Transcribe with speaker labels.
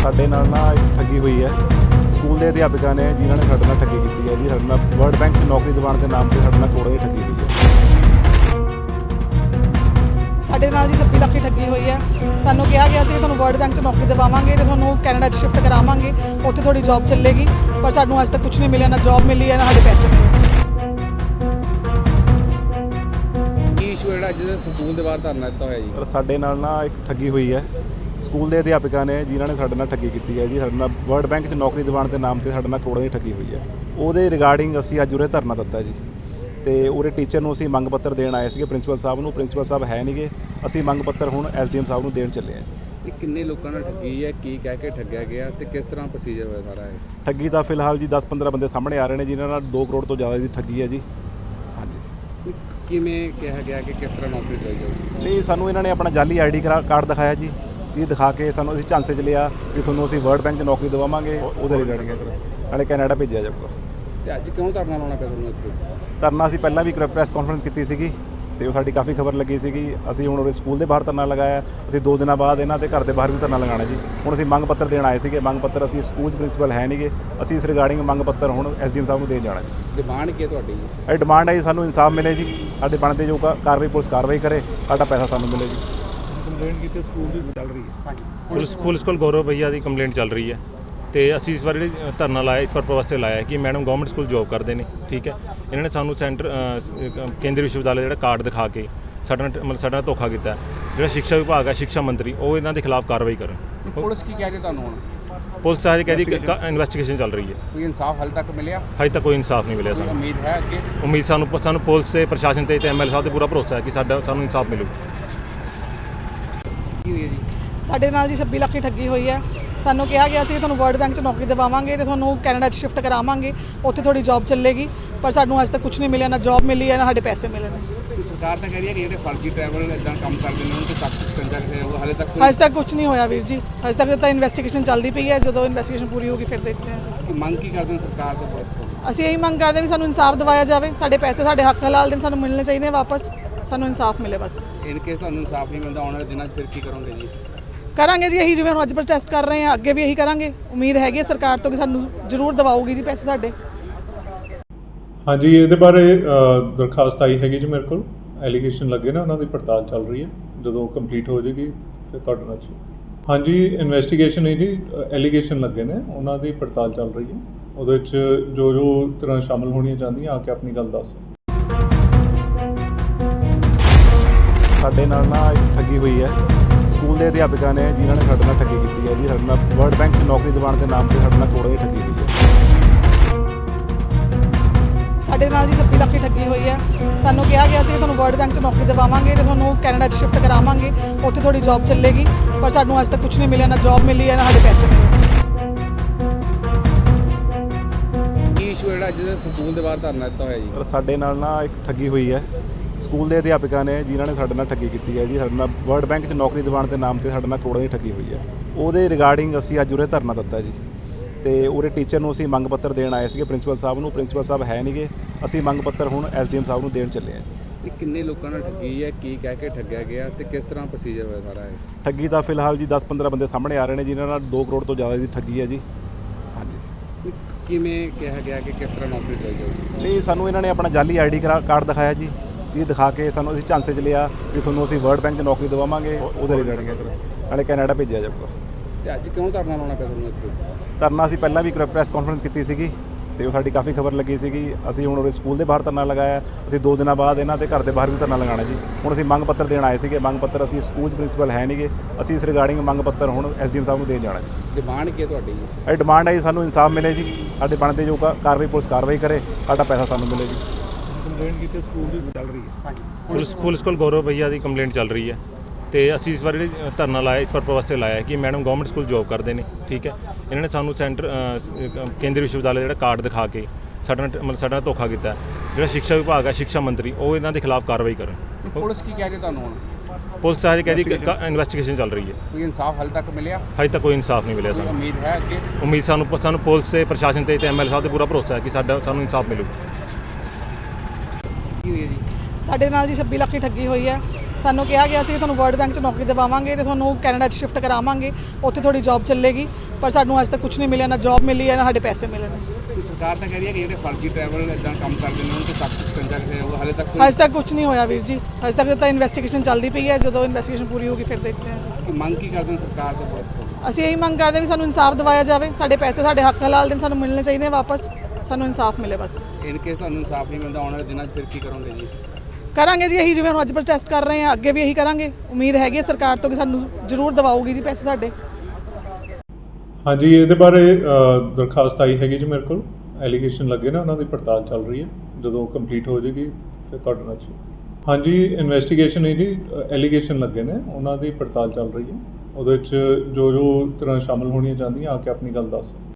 Speaker 1: ਸਾਡੇ ਨਾਲ ਨਾ ਇੱਕ ਠੱਗੀ ਹੋਈ ਹੈ। ਸਕੂਲ ਦੇ ਅਧਿਆਪਕਾਂ ਨੇ ਜਿਨ੍ਹਾਂ ਨੇ ਸਾਡੇ ਨਾਲ ਠੱਗੀ ਕੀਤੀ ਹੈ ਜੀ। ਸਾਡੇ ਨਾਲ ਵਰਲਡ ਬੈਂਕ 'ਚ ਨੌਕਰੀ ਦਿਵਾਉਣ ਦੇ ਨਾਮ ਤੇ ਸਾਡੇ ਨਾਲ ਕਰੋੜਾਂ ਦੀ ਠੱਗੀ ਹੋਈ ਹੈ।
Speaker 2: ਸਾਡੇ ਨਾਲ ਜੀ 26 ਲੱਖ ਦੀ ਠੱਗੀ ਹੋਈ ਹੈ। ਸਾਨੂੰ ਕਿਹਾ ਗਿਆ ਸੀ ਕਿ ਤੁਹਾਨੂੰ ਵਰਲਡ ਬੈਂਕ 'ਚ ਨੌਕਰੀ ਦਿਵਾਵਾਂਗੇ ਤੇ ਤੁਹਾਨੂੰ ਕੈਨੇਡਾ 'ਚ ਸ਼ਿਫਟ ਕਰਾਵਾਂਗੇ, ਉੱਥੇ ਤੁਹਾਡੀ ਜੌਬ ਚੱਲੇਗੀ। ਪਰ ਸਾਨੂੰ ਅੱਜ ਤੱਕ ਕੁਝ ਨਹੀਂ ਮਿਲਿਆ, ਨਾ ਜੌਬ ਮਿਲੀ ਹੈ ਨਾ ਸਾਡੇ ਪੈਸੇ ਮਿਲੇ।
Speaker 3: ਕੀ ਇਸ਼ੂ ਜਿਹੜਾ ਅੱਜ ਸਕੂਲ ਦੇ ਬਾਹਰ ਧਰਨਾ ਦਿੱਤਾ ਹੋਇਆ ਜੀ?
Speaker 1: ਸਰ ਸਾਡੇ ਨਾਲ ਨਾ ਇੱਕ ਠੱਗੀ ਹੋਈ ਹੈ। ਸਕੂਲ ਦੇ ਅਧਿਆਪਕਾਂ ਨੇ ਜਿਨ੍ਹਾਂ ਨੇ ਸਾਡੇ ਨਾਲ ਠੱਗੀ ਕੀਤੀ ਹੈ ਜੀ। ਸਾਡੇ ਨਾਲ ਵਰਲਡ ਬੈਂਕ 'ਚ ਨੌਕਰੀ ਦਿਵਾਉਣ ਦੇ ਨਾਮ ਤੇ ਸਾਡੇ ਨਾਲ ਕਰੋੜਾਂ ਦੀ ਠੱਗੀ ਹੋਈ ਹੈ। ਉਹਦੇ ਰਿਗਾਰਡਿੰਗ ਅਸੀਂ ਅੱਜ ਉਰੇ ਧਰਨਾ ਦਿੱਤਾ ਜੀ। ਤੇ ਉਰੇ ਟੀਚਰ ਨੂੰ ਅਸੀਂ ਮੰਗ ਪੱਤਰ ਦੇਣ ਆਏ ਸੀਗੇ ਪ੍ਰਿੰਸੀਪਲ ਸਾਹਿਬ ਨੂੰ। ਪ੍ਰਿੰਸੀਪਲ ਸਾਹਿਬ ਹੈ ਨਹੀਂਗੇ। ਅਸੀਂ ਮੰਗ ਪੱਤਰ ਹੁਣ ਐਸਡੀਐਮ ਸਾਹਿਬ ਨੂੰ ਦੇਣ ਚੱਲੇ ਹਾਂ ਜੀ।
Speaker 3: ਇਹ ਕਿੰਨੇ ਲੋਕਾਂ ਨਾਲ ਠੱਗੀ ਹੈ, ਕੀ ਕਹਿ ਕੇ ਠੱਗਿਆ ਗਿਆ ਤੇ ਕਿਸ ਤਰ੍ਹਾਂ ਪ੍ਰੋਸੀਜਰ ਹੋਇਆ ਸਾਰਾ ਇਹ?
Speaker 1: ਠੱਗੀ ਦਾ ਫਿਲਹਾਲ ਜੀ 10-15 ਬੰਦੇ ਸਾਹਮਣੇ ਆ ਰਹੇ ਨੇ ਜਿਨ੍ਹਾਂ ਨਾਲ 2 ਕਰੋੜ ਤੋਂ ਜ਼ਿਆਦਾ ਦੀ ਠੱਗੀ ਹੈ ਜੀ। ਹਾਂਜੀ।
Speaker 3: ਕਿਵੇਂ ਕਿਹਾ ਗਿਆ ਕਿ ਕਿਸ ਤਰ੍ਹਾਂ ਨੌਕਰੀ ਲਈ ਜਾਊਗੀ?
Speaker 1: ਨਹੀਂ, ਸਾਨੂੰ ਇਹਨਾਂ ਨੇ ਆਪਣਾ ਜਾਲੀ ਆਈਡੀ ਕਾਰਡ ਦਿਖਾਇਆ ਜੀ। ਇਹ ਦਿਖਾ ਕੇ ਸਾਨੂੰ ਅਸੀਂ ਝਾਂਸੇ 'ਚ ਲਿਆ ਵੀ ਤੁਹਾਨੂੰ ਅਸੀਂ ਵਰਲਡ ਬੈਂਕ 'ਚ ਨੌਕਰੀ ਦਿਵਾਵਾਂਗੇ, ਉਹਦੇ ਰਿਗਾਰਡਿੰਗ ਨਾਲੇ ਕੈਨੇਡਾ ਭੇਜਿਆ ਜਾਊਗਾ।
Speaker 3: ਤੇ ਅੱਜ ਕਿਉਂ ਧਰਨਾ ਲਾਉਣਾ ਪਿਆ ਤੁਹਾਨੂੰ ਇੱਥੇ?
Speaker 1: ਧਰਨਾ ਅਸੀਂ ਪਹਿਲਾਂ ਵੀ ਪ੍ਰੈਸ ਕਾਨਫਰੰਸ ਕੀਤੀ ਸੀਗੀ ਤੇ ਉਹ ਸਾਡੀ ਕਾਫੀ ਖਬਰ ਲੱਗੀ ਸੀਗੀ। ਅਸੀਂ ਹੁਣ ਉਹਦੇ ਸਕੂਲ ਦੇ ਬਾਹਰ ਧਰਨਾ ਲਗਾਇਆ। ਅਸੀਂ 2 ਦਿਨਾਂ ਬਾਅਦ ਇਹਨਾਂ ਦੇ ਘਰ ਦੇ ਬਾਹਰ ਵੀ ਧਰਨਾ ਲਗਾਉਣਾ ਜੀ। ਹੁਣ ਅਸੀਂ ਮੰਗ ਪੱਤਰ ਦੇਣ ਆਏ ਸੀਗੇ। ਮੰਗ ਪੱਤਰ ਅਸੀਂ ਸਕੂਲ 'ਚ ਪ੍ਰਿੰਸੀਪਲ ਹੈ ਨਹੀਂਗੇ। ਅਸੀਂ ਇਸ ਰਿਗਾਰਡਿੰਗ ਮੰਗ ਪੱਤਰ ਹੁਣ ਐਸਡੀਐਮ ਸਾਹਿਬ ਨੂੰ ਦੇਣ ਜਾਣਾ ਜੀ।
Speaker 3: ਡਿਮਾਂਡ ਕੀ ਹੈ ਤੁਹਾਡੀ?
Speaker 1: ਇਹ ਡਿਮਾਂਡ ਹੈ ਜੀ ਸਾਨੂੰ ਇਨਸਾਫ ਮਿਲੇ ਜੀ। ਸਾਡੇ ਬਣਦੇ ਜੋ ਕਾਰਵਾਈ ਪੁਲਿਸ ਕਾਰਵਾਈ ਕਰੇ, ਸਾਡਾ ਪੈਸਾ ਸਾਨੂੰ ਮਿਲੇ ਜੀ।
Speaker 4: ਕੰਪਲੇਂਟ ਕੀਤੀ ਸਕੂਲ ਦੀ ਚੱਲ ਰਹੀ ਹੈ।
Speaker 3: ਹਾਂਜੀ।
Speaker 4: ਪੁਲਿਸ ਕੋਲ ਗੌਰਵ ਭਈਆ ਦੀ ਕੰਪਲੇਂਟ ਚੱਲ ਰਹੀ ਹੈ ਤੇ ਅਸੀਂ ਇਸ ਵਾਰ ਜਿਹੜੀ ਧਰਨਾ ਲਾਇਆ ਇਸ ਪਰਪਸ ਵਾਸਤੇ ਲਾਇਆ ਕਿ ਮੈਡਮ ਗਵਰਨਮੈਂਟ ਸਕੂਲ ਜੌਬ ਕਰਦੇ ਨੇ, ਠੀਕ ਹੈ। ਇਹਨਾਂ ਨੇ ਸਾਨੂੰ ਕੇਂਦਰੀ ਵਿਸ਼ਵਵਿਦਿਆਲਾ ਜਿਹੜਾ ਕਾਰਡ ਦਿਖਾ ਕੇ ਸਾਡਾ ਨਾਲ ਧੋਖਾ ਕੀਤਾ। ਜਿਹੜਾ ਸਿੱਖਿਆ ਵਿਭਾਗ ਹੈ, ਸਿੱਖਿਆ ਮੰਤਰੀ, ਉਹ ਇਹਨਾਂ ਦੇ ਖਿਲਾਫ ਕਾਰਵਾਈ ਕਰਨ।
Speaker 3: ਪੁਲਿਸ ਕੀ ਕਹਿ ਰਹੀ ਤੁਹਾਨੂੰ ਹੁਣ?
Speaker 4: ਪੁਲਿਸ ਸਾਹਿਬ ਕਹਿੰਦੀ ਇਨਵੈਸਟੀਗੇਸ਼ਨ ਚੱਲ ਰਹੀ ਹੈ।
Speaker 3: ਕੋਈ ਇਨਸਾਫ ਹਾਲੇ ਤੱਕ ਮਿਲਿਆ?
Speaker 4: ਹਜੇ ਤੱਕ ਕੋਈ ਇਨਸਾਫ ਨਹੀਂ ਮਿਲਿਆ ਸਾਨੂੰ।
Speaker 3: ਉਮੀਦ ਹੈ ਅੱਗੇ?
Speaker 4: ਉਮੀਦ ਸਾਨੂੰ ਪੁਲਿਸ ਤੇ ਪ੍ਰਸ਼ਾਸਨ ਤੇ ਐਮਐਲਏ ਸਾਹਿਬ ਤੇ ਪੂਰਾ ਭਰੋਸਾ ਹੈ ਕਿ ਸਾਨੂੰ ਇਨਸਾਫ ਮਿਲੂ।
Speaker 3: ਕੀ ਹੋਈ ਹੈ ਜੀ?
Speaker 2: ਸਾਡੇ ਨਾਲ ਜੀ 26 ਲੱਖ ਦੀ ਠੱਗੀ ਹੋਈ ਹੈ। ਸਾਨੂੰ ਕਿਹਾ ਗਿਆ ਸੀ ਕਿ ਤੁਹਾਨੂੰ ਵਰਲਡ ਬੈਂਕ 'ਚ ਨੌਕਰੀ ਦਿਵਾਵਾਂਗੇ ਤੇ ਤੁਹਾਨੂੰ ਕੈਨੇਡਾ 'ਚ ਸ਼ਿਫਟ ਕਰਾਵਾਂਗੇ, ਉੱਥੇ ਤੁਹਾਡੀ ਜੌਬ ਚੱਲੇਗੀ। ਪਰ ਸਾਨੂੰ ਅੱਜ ਤੱਕ ਕੁਝ ਨਹੀਂ ਮਿਲਿਆ, ਨਾ ਜੌਬ ਮਿਲੀ ਹੈ ਨਾ ਸਾਡੇ ਪੈਸੇ ਮਿਲੇ ਨੇ।
Speaker 3: ਸਰਕਾਰ ਤਾਂ ਕਹਿ ਰਹੀ ਹੈ ਕਿ ਜਿਹੜੇ ਫਰਜ਼ੀ ਟਰੈਵਲ ਇਦਾਂ ਕੰਮ ਕਰਦੇ ਨੇ ਉਹਨਾਂ ਤੇ ਸਖਤ ਸ਼ਿਕੰਜਾ ਕਿਸੇ ਹੋਊਗਾ। ਹਾਲੇ ਤੱਕ
Speaker 2: ਅੱਜ ਤੱਕ ਕੁਝ ਨਹੀਂ ਹੋਇਆ ਵੀਰ ਜੀ। ਅੱਜ ਤੱਕ ਤਾਂ ਇਨਵੈਸਟੀਗੇਸ਼ਨ ਚੱਲਦੀ ਪਈ ਹੈ। ਜਦੋਂ ਇਨਵੈਸਟੀਗੇਸ਼ਨ ਪੂਰੀ ਹੋਗੀ ਫਿਰ ਦੇਖਦੇ ਹਾਂ ਜੀ।
Speaker 3: ਮੰਗ ਕੀ ਕਰਦੇ ਹੋ ਸਰਕਾਰ ਤੋਂ, ਪੁਲਿਸ ਤੋਂ?
Speaker 2: ਅਸੀਂ ਇਹੀ ਮੰਗ ਕਰਦੇ ਵੀ ਸਾਨੂੰ ਇਨਸਾਫ ਦਿਵਾਇਆ ਜਾਵੇ। ਸਾਡੇ ਪੈਸੇ, ਸਾਡੇ ਹੱਕ ਹਲਾਲ ਦਿਨ ਸਾਨੂੰ ਮਿਲਣੇ ਚਾਹੀਦੇ ਵਾਪਸ। ਸਾਨੂੰ ਇਨਸਾਫ ਮਿਲੇ ਬਸ।
Speaker 3: ਇਨ ਕੇਸ ਤੁਹਾਨੂੰ ਇਨਸਾਫ ਨਹੀਂ ਮਿਲਦਾ ਆਉਣ ਵਾਲੇ ਦਿਨਾਂ 'ਚ ਫਿਰ ਕੀ ਕਰੋਗੇ ਜੀ?
Speaker 2: ਕਰਾਂਗੇ ਜੀ ਇਹੀ, ਜਿਵੇਂ ਹੁਣ ਅੱਜ ਪ੍ਰੋਟੈਸਟ ਕਰ ਰਹੇ ਹਾਂ, ਅੱਗੇ ਵੀ ਇਹੀ ਕਰਾਂਗੇ। ਉਮੀਦ ਹੈਗੀ ਹੈ ਸਰਕਾਰ ਤੋਂ ਕਿ ਸਾਨੂੰ ਜ਼ਰੂਰ ਦਿਵਾਊਗੀ ਜੀ ਪੈਸੇ ਸਾਡੇ।
Speaker 5: ਹਾਂਜੀ, ਇਹਦੇ ਬਾਰੇ ਦਰਖਾਸਤ ਆਈ ਹੈਗੀ ਜੀ ਮੇਰੇ ਕੋਲ। ਐਲੀਗੇਸ਼ਨ ਲੱਗੇ ਨੇ, ਉਹਨਾਂ ਦੀ ਪੜਤਾਲ ਚੱਲ ਰਹੀ ਹੈ। ਜਦੋਂ ਕੰਪਲੀਟ ਹੋ ਜਾਏਗੀ ਫਿਰ ਤੁਹਾਡੇ ਨਾਲ ਹਾਂਜੀ ਇਨਵੈਸਟੀਗੇਸ਼ਨ ਹੈ ਜੀ। ਐਲੀਗੇਸ਼ਨ ਲੱਗੇ ਨੇ, ਉਹਨਾਂ ਦੀ ਪੜਤਾਲ ਚੱਲ ਰਹੀ ਹੈ। ਉਹਦੇ 'ਚ ਜੋ ਤਰ੍ਹਾਂ ਸ਼ਾਮਲ ਹੋਣੀਆਂ ਚਾਹੁੰਦੀਆਂ ਆ ਕੇ ਆਪਣੀ ਗੱਲ ਦੱਸ।
Speaker 1: ਸਾਡੇ ਨਾਲ ਨਾ ਇੱਕ ਠੱਗੀ ਹੋਈ ਹੈ। ਸਕੂਲ ਦੇ ਅਧਿਆਪਕਾਂ ਨੇ ਜਿਨ੍ਹਾਂ ਨੇ ਸਾਡੇ ਨਾਲ ਠੱਗੀ ਕੀਤੀ ਹੈ ਜੀ। ਸਾਡੇ ਨਾਲ ਵਰਲਡ ਬੈਂਕ 'ਚ ਨੌਕਰੀ ਦਿਵਾਉਣ ਦੇ ਨਾਮ ਤੇ ਸਾਡੇ ਨਾਲ ਕਰੋੜਾਂ ਦੀ ਠੱਗੀ ਹੋਈ ਹੈ।
Speaker 2: ਸਾਡੇ ਨਾਲ ਜੀ 26 ਲੱਖ ਦੀ ਠੱਗੀ ਹੋਈ ਹੈ। ਸਾਨੂੰ ਕਿਹਾ ਗਿਆ ਸੀ ਕਿ ਤੁਹਾਨੂੰ ਵਰਲਡ ਬੈਂਕ 'ਚ ਨੌਕਰੀ ਦਿਵਾਵਾਂਗੇ ਤੇ ਤੁਹਾਨੂੰ ਕੈਨੇਡਾ 'ਚ ਸ਼ਿਫਟ ਕਰਾਵਾਂਗੇ, ਉੱਥੇ ਤੁਹਾਡੀ ਜੌਬ ਚੱਲੇਗੀ। ਪਰ ਸਾਨੂੰ ਅੱਜ ਤੱਕ ਕੁਝ ਨਹੀਂ ਮਿਲਿਆ, ਨਾ ਜੌਬ ਮਿਲੀ ਹੈ ਨਾ ਸਾਡੇ ਪੈਸੇ ਮਿਲੇ।
Speaker 3: ਕੀ ਇਸ਼ੂ ਜਿਹੜਾ ਅੱਜ ਸਕੂਲ ਦੇ ਬਾਹਰ ਧਰਨਾ ਦਿੱਤਾ ਹੋਇਆ ਜੀ?
Speaker 1: ਸਰ ਸਾਡੇ ਨਾਲ ਨਾ ਇੱਕ ਠੱਗੀ ਹੋਈ ਹੈ। ਸਕੂਲ ਦੇ ਅਧਿਆਪਕਾਂ ਨੇ ਜਿਨ੍ਹਾਂ ਨੇ ਸਾਡੇ ਨਾਲ ਠੱਗੀ ਕੀਤੀ ਹੈ ਜੀ। ਸਾਡੇ ਨਾਲ ਵਰਲਡ ਬੈਂਕ 'ਚ ਨੌਕਰੀ ਦਿਵਾਉਣ ਦੇ ਨਾਮ ਤੇ ਸਾਡੇ ਨਾਲ ਕਰੋੜਾਂ ਦੀ ਠੱਗੀ ਹੋਈ ਹੈ। ਉਹਦੇ ਰਿਗਾਰਡਿੰਗ ਅਸੀਂ ਅੱਜ ਉਰੇ ਧਰਨਾ ਦਿੱਤਾ ਜੀ। ਤੇ ਉਰੇ ਟੀਚਰ ਨੂੰ ਅਸੀਂ ਮੰਗ ਪੱਤਰ ਦੇਣ ਆਏ ਸੀਗੇ ਪ੍ਰਿੰਸੀਪਲ ਸਾਹਿਬ ਨੂੰ। ਪ੍ਰਿੰਸੀਪਲ ਸਾਹਿਬ ਹੈ ਨਹੀਂਗੇ। ਅਸੀਂ ਮੰਗ ਪੱਤਰ ਹੁਣ ਐਸਡੀਐਮ ਸਾਹਿਬ ਨੂੰ ਦੇਣ ਚੱਲੇ ਹਾਂ ਜੀ।
Speaker 3: ਇਹ ਕਿੰਨੇ ਲੋਕਾਂ ਨਾਲ ਠੱਗੀ ਹੈ, ਕੀ ਕਹਿ ਕੇ ਠੱਗਿਆ ਗਿਆ ਤੇ ਕਿਸ ਤਰ੍ਹਾਂ ਪ੍ਰੋਸੀਜਰ ਹੋਇਆ ਸਾਰਾ ਇਹ?
Speaker 1: ਠੱਗੀ ਦਾ ਫਿਲਹਾਲ ਜੀ 10-15 ਬੰਦੇ ਸਾਹਮਣੇ ਆ ਰਹੇ ਨੇ ਜਿਨ੍ਹਾਂ ਨਾਲ 2 ਕਰੋੜ ਤੋਂ ਜ਼ਿਆਦਾ ਦੀ ਠੱਗੀ ਹੈ ਜੀ। ਹਾਂਜੀ।
Speaker 3: ਕਿਵੇਂ ਕਿਹਾ ਗਿਆ ਕਿ ਕਿਸ ਤਰ੍ਹਾਂ ਨੌਕਰੀ ਲਈ ਜਾਊਗੀ?
Speaker 1: ਨਹੀਂ, ਸਾਨੂੰ ਇਹਨਾਂ ਨੇ ਆਪਣਾ ਜਾਲੀ ਆਈਡੀ ਕਾਰਡ ਦਿਖਾਇਆ ਜੀ। ਇਹ ਦਿਖਾ ਕੇ ਸਾਨੂੰ ਅਸੀਂ ਝਾਂਸੇ 'ਚ ਲਿਆ ਵੀ ਤੁਹਾਨੂੰ ਅਸੀਂ ਵਰਲਡ ਬੈਂਕ 'ਚ ਨੌਕਰੀ ਦਿਵਾਵਾਂਗੇ, ਉਹਦੇ ਰਿਗਾਰਡਿੰਗ ਨਾਲੇ ਕੈਨੇਡਾ ਭੇਜਿਆ ਜਾਊਗਾ।
Speaker 3: ਤੇ ਅੱਜ ਕਿਉਂ ਧਰਨਾ ਲਾਉਣਾ ਪਿਆ ਤੁਹਾਨੂੰ ਇੱਥੇ?
Speaker 1: ਧਰਨਾ ਅਸੀਂ ਪਹਿਲਾਂ ਵੀ ਪ੍ਰੈਸ ਕਾਨਫਰੰਸ ਕੀਤੀ ਸੀਗੀ ਤੇ ਉਹ ਸਾਡੀ ਕਾਫੀ ਖਬਰ ਲੱਗੀ ਸੀਗੀ। ਅਸੀਂ ਹੁਣ ਉਹਦੇ ਸਕੂਲ ਦੇ ਬਾਹਰ ਧਰਨਾ ਲਗਾਇਆ। ਅਸੀਂ 2 ਦਿਨਾਂ ਬਾਅਦ ਇਹਨਾਂ ਦੇ ਘਰ ਦੇ ਬਾਹਰ ਵੀ ਧਰਨਾ ਲਗਾਉਣਾ ਜੀ। ਹੁਣ ਅਸੀਂ ਮੰਗ ਪੱਤਰ ਦੇਣ ਆਏ ਸੀਗੇ। ਮੰਗ ਪੱਤਰ ਅਸੀਂ ਸਕੂਲ 'ਚ ਪ੍ਰਿੰਸੀਪਲ ਹੈ ਨਹੀਂਗੇ। ਅਸੀਂ ਇਸ ਰਿਗਾਰਡਿੰਗ ਮੰਗ ਪੱਤਰ ਹੁਣ ਐਸਡੀਐਮ ਸਾਹਿਬ ਨੂੰ ਦੇਣ ਜਾਣਾ ਜੀ।
Speaker 3: ਡਿਮਾਂਡ ਕੀ ਹੈ ਤੁਹਾਡੀ?
Speaker 1: ਇਹ ਡਿਮਾਂਡ ਹੈ ਜੀ ਸਾਨੂੰ ਇਨਸਾਫ ਮਿਲੇ ਜੀ। ਸਾਡੇ ਬਣਦੇ ਜੋ ਕਾਰਵਾਈ ਪੁਲਿਸ ਕਾਰਵਾਈ ਕਰੇ, ਸਾਡਾ ਪੈਸਾ ਸਾਨੂੰ ਮਿਲੇ ਜੀ।
Speaker 4: ਕੰਪਲੇਂਟ ਕੀਤੀ ਸਕੂਲ ਦੀ ਚੱਲ ਰਹੀ ਹੈ।
Speaker 3: ਹਾਂਜੀ।
Speaker 4: ਪੁਲਿਸ ਕੋਲ ਗੌਰਵ ਭਈਆ ਦੀ ਕੰਪਲੇਂਟ ਚੱਲ ਰਹੀ ਹੈ ਤੇ ਅਸੀਂ ਇਸ ਵਾਰ ਜਿਹੜੀ ਧਰਨਾ ਲਾਇਆ ਇਸ ਪਰਪਸ ਵਾਸਤੇ ਲਾਇਆ ਕਿ ਮੈਡਮ ਗਵਰਨਮੈਂਟ ਸਕੂਲ ਜੌਬ ਕਰਦੇ ਨੇ, ਠੀਕ ਹੈ। ਇਹਨਾਂ ਨੇ ਸਾਨੂੰ ਕੇਂਦਰੀ ਵਿਸ਼ਵਵਿਦਿਆਲਾ ਜਿਹੜਾ ਕਾਰਡ ਦਿਖਾ ਕੇ ਸਾਡਾ ਨਾਲ ਧੋਖਾ ਕੀਤਾ। ਜਿਹੜਾ ਸਿੱਖਿਆ ਵਿਭਾਗ ਹੈ, ਸਿੱਖਿਆ ਮੰਤਰੀ, ਉਹ ਇਹਨਾਂ ਦੇ ਖਿਲਾਫ ਕਾਰਵਾਈ ਕਰਨ।
Speaker 3: ਪੁਲਿਸ ਕੀ ਕਹਿ ਰਹੀ ਤੁਹਾਨੂੰ ਹੁਣ?
Speaker 4: ਪੁਲਿਸ ਸਾਹਿਬ ਕਹਿੰਦੀ ਇਨਵੈਸਟੀਗੇਸ਼ਨ ਚੱਲ ਰਹੀ ਹੈ।
Speaker 3: ਕੋਈ ਇਨਸਾਫ ਹਾਲੇ ਤੱਕ ਮਿਲਿਆ?
Speaker 4: ਹਜੇ ਤੱਕ ਕੋਈ ਇਨਸਾਫ ਨਹੀਂ ਮਿਲਿਆ ਸਾਨੂੰ।
Speaker 3: ਉਮੀਦ ਹੈ ਅੱਗੇ?
Speaker 4: ਉਮੀਦ ਸਾਨੂੰ ਪੁਲਿਸ ਤੇ ਪ੍ਰਸ਼ਾਸਨ ਤੇ ਐਮਐਲਏ ਸਾਹਿਬ ਤੇ ਪੂਰਾ ਭਰੋਸਾ ਹੈ ਕਿ ਸਾਨੂੰ ਇਨਸਾਫ ਮਿਲੂ।
Speaker 3: ਕੀ ਹੋਈ ਹੈ ਜੀ?
Speaker 2: ਸਾਡੇ ਨਾਲ ਜੀ 26 ਲੱਖ ਦੀ ਠੱਗੀ ਹੋਈ ਹੈ। ਸਾਨੂੰ ਕਿਹਾ ਗਿਆ ਸੀ ਕਿ ਤੁਹਾਨੂੰ ਵਰਲਡ ਬੈਂਕ 'ਚ ਨੌਕਰੀ ਦਿਵਾਵਾਂਗੇ ਤੇ ਤੁਹਾਨੂੰ ਕੈਨੇਡਾ 'ਚ ਸ਼ਿਫਟ ਕਰਾਵਾਂਗੇ, ਉੱਥੇ ਤੁਹਾਡੀ ਜੌਬ ਚੱਲੇਗੀ। ਪਰ ਸਾਨੂੰ ਅੱਜ ਤੱਕ ਕੁਝ ਨਹੀਂ ਮਿਲਿਆ, ਨਾ ਜੌਬ ਮਿਲੀ ਹੈ ਨਾ ਸਾਡੇ ਪੈਸੇ ਮਿਲੇ ਨੇ।
Speaker 3: ਕਿ ਸਰਕਾਰ ਤਾਂ ਕਹਿ ਰਹੀ ਹੈ ਕਿ ਜਿਹੜੇ ਫਰਜ਼ੀ ਟਰੈਵਲ ਇਦਾਂ ਕੰਮ ਕਰਦੇ ਨੇ ਉਹਨਾਂ ਤੇ ਸਖਤ ਸ਼ਿਕੰਜਾ ਕੱਸਿਆ ਜਾਊਗਾ। ਹਾਲੇ ਤੱਕ
Speaker 2: ਅੱਜ ਤੱਕ ਕੁਝ ਨਹੀਂ ਹੋਇਆ ਵੀਰ ਜੀ, ਅੱਜ ਤੱਕ ਤਾਂ ਇਨਵੈਸਟੀਗੇਸ਼ਨ ਚੱਲਦੀ ਪਈ ਹੈ। ਜਦੋਂ ਇਨਵੈਸਟੀਗੇਸ਼ਨ ਪੂਰੀ ਹੋਗੀ ਫਿਰ ਦੇਖਦੇ ਹਾਂ ਜੀ।
Speaker 3: ਮੰਗ ਕੀ ਕਰਦੇ ਨੇ ਸਰਕਾਰ ਤੋਂ ਪੁਲਿਸ ਤੋਂ?
Speaker 2: ਅਸੀਂ ਇਹੀ ਮੰਗ ਕਰਦੇ ਹਾਂ ਵੀ ਸਾਨੂੰ ਇਨਸਾਫ ਦਿਵਾਇਆ ਜਾਵੇ, ਸਾਡੇ ਪੈਸੇ ਸਾਡੇ ਹੱਕ ਹਲਾਲ ਦਿਨ ਸਾਨੂੰ ਮਿਲਣੇ ਚਾਹੀਦੇ ਆ ਵਾਪਸ, ਸਾਨੂੰ ਇਨਸਾਫ ਮਿਲੇ ਬਸ।
Speaker 3: ਇਨ ਕੇਸ ਤੁਹਾਨੂੰ ਇਨਸਾਫ ਨਹੀਂ ਮਿਲਦਾ ਆਉਣ ਵਾਲੇ ਦਿਨਾਂ 'ਚ ਫਿਰ ਕੀ ਕਰੋਗੇ ਜੀ?
Speaker 2: ਕਰਾਂਗੇ ਜੀ ਇਹੀ ਜਿਵੇਂ ਹੁਣ ਅੱਜ ਪ੍ਰੋਟੈਸਟ ਕਰ ਰਹੇ ਹਾਂ, ਅੱਗੇ ਵੀ ਇਹੀ ਕਰਾਂਗੇ। ਉਮੀਦ ਹੈਗੀ ਹੈ ਸਰਕਾਰ ਤੋਂ ਕਿ ਸਾਨੂੰ ਜ਼ਰੂਰ ਦਿਵਾਓਗੀ ਜੀ ਪੈਸੇ ਸਾਡੇ।
Speaker 5: ਹਾਂਜੀ, ਇਹਦੇ ਬਾਰੇ ਦਰਖਾਸਤ ਆਈ ਹੈਗੀ ਜੀ ਮੇਰੇ ਕੋਲ, ਐਲੀਗੇਸ਼ਨ ਲੱਗੇ ਨੇ, ਉਹਨਾਂ ਦੀ ਪੜਤਾਲ ਚੱਲ ਰਹੀ ਹੈ। ਜਦੋਂ ਕੰਪਲੀਟ ਹੋ ਜਾਏਗੀ ਫਿਰ ਤੁਹਾਡੇ ਨਾਲ ਹਾਂਜੀ, ਇਨਵੈਸਟੀਗੇਸ਼ਨ ਹੈ ਜੀ, ਐਲੀਗੇਸ਼ਨ ਲੱਗੇ ਨੇ, ਉਹਨਾਂ ਦੀ ਪੜਤਾਲ ਚੱਲ ਰਹੀ ਹੈ। ਉਹਦੇ ਵਿੱਚ ਜੋ ਤਰ੍ਹਾਂ ਸ਼ਾਮਲ ਹੋਣੀਆਂ ਚਾਹੁੰਦੀਆਂ ਆ ਕੇ ਆਪਣੀ ਗੱਲ ਦੱਸ